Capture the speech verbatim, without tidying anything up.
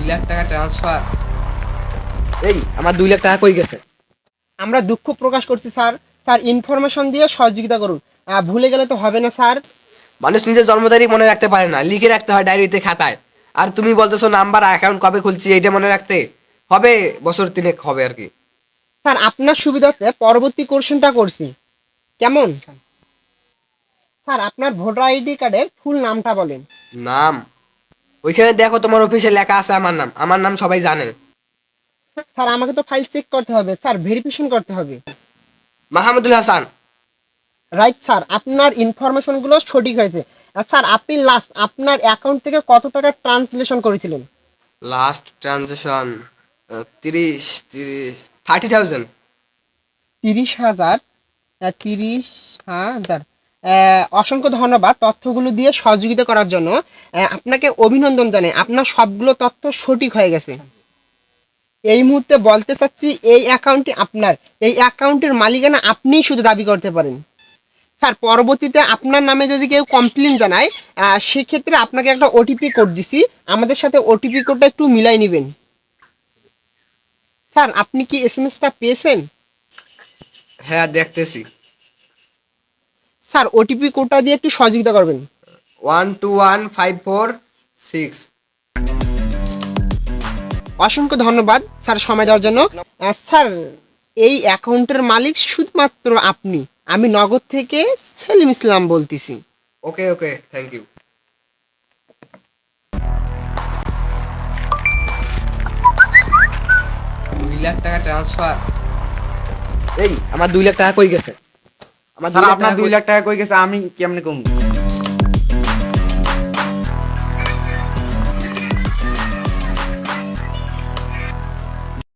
লাখ টাকা ট্রান্সফার। এই আমার দুই লাখ টাকা কই গেছে? আমরা দুঃখ প্রকাশ করছি স্যার। স্যার ইনফরমেশন দিয়ে সহযোগিতা করুন। আহ, ভুলে গেলে তো হবে না স্যার। মানুষ নিজের জন্ম তারিখ মনে রাখতে পারে না, লিখে রাখতে হয় ডায়েরিতে, খাতায়। আর তুমি বলতেছো নাম্বার, অ্যাকাউন্ট কবে খুলছি এইটা মনে রাখতে হবে? বছর তিনেক হবে আর কি। স্যার আপনার সুবিধার্থে পরবর্তী কোশ্চেনটা করছি, কেমন? স্যার আপনার ভোটার আইডি কার্ডের ফুল নামটা বলেন। নাম? ওইখানে দেখো তোমার অফিসে লেখা আছে আমার নাম। আমার নাম সবাই জানে। স্যার আমাকে তো ফাইল চেক করতে হবে স্যার, ভেরিফিকেশন করতে হবে। মাহমুদুল হাসান। রাইট স্যার, আপনার ইনফরমেশনগুলো সঠিক হয়েছে। আর স্যার আপনি লাস্ট আপনার অ্যাকাউন্ট থেকে কত টাকা ট্রান্সলেশন করেছিলেন? লাস্ট ট্রানজেকশন তিরিশ তিরিশ থার্টি থাউজেন্ড। তিরিশ হাজার। আহ, তিরিশ হাজার। আহ, অসংখ্য ধন্যবাদ তথ্যগুলো দিয়ে সহযোগিতা করার জন্য। আহ, আপনাকে অভিনন্দন জানাই, আপনার সবগুলো তথ্য সঠিক হয়ে গেছে। এই মুহূর্তে বলতে চাচ্ছি এই অ্যাকাউন্টটি আপনার, এই অ্যাকাউন্টের মালিকানা আপনিই শুধু দাবি করতে পারেন। স্যার পরবর্তীতে আপনার নামে যদি কেউ কমপ্লেন জানায়, আহ, সেক্ষেত্রে আপনাকে একটা ওটিপি কোড দিছি, আমাদের সাথে ওটিপি কোডটা একটু মিলাই নেবেন। স্যার আপনি কি এস এম এসটা পেয়েছেন? হ্যাঁ দেখতেছি। স্যার ওটিপি কোডটা দিয়ে একটু সহযোগিতা করবেন। One two one five four six. অসংখ্য ধন্যবাদ স্যার সময় দেওয়ার জন্য। আহ, স্যার এই অ্যাকাউন্টের মালিক শুধুমাত্র আপনি। আমি নগদ থেকে সেলিম ইসলাম বলতেছি। Okay okay, thank you. দুই লাখ টাকা ট্রান্সফার। এই আমার দুই লাখ টাকা কই গেছে? আমার স্যার দুই লাখ আপনার টাকা দুই কই- লাখ টাকা কই গেছে আমি কেমনে কমু?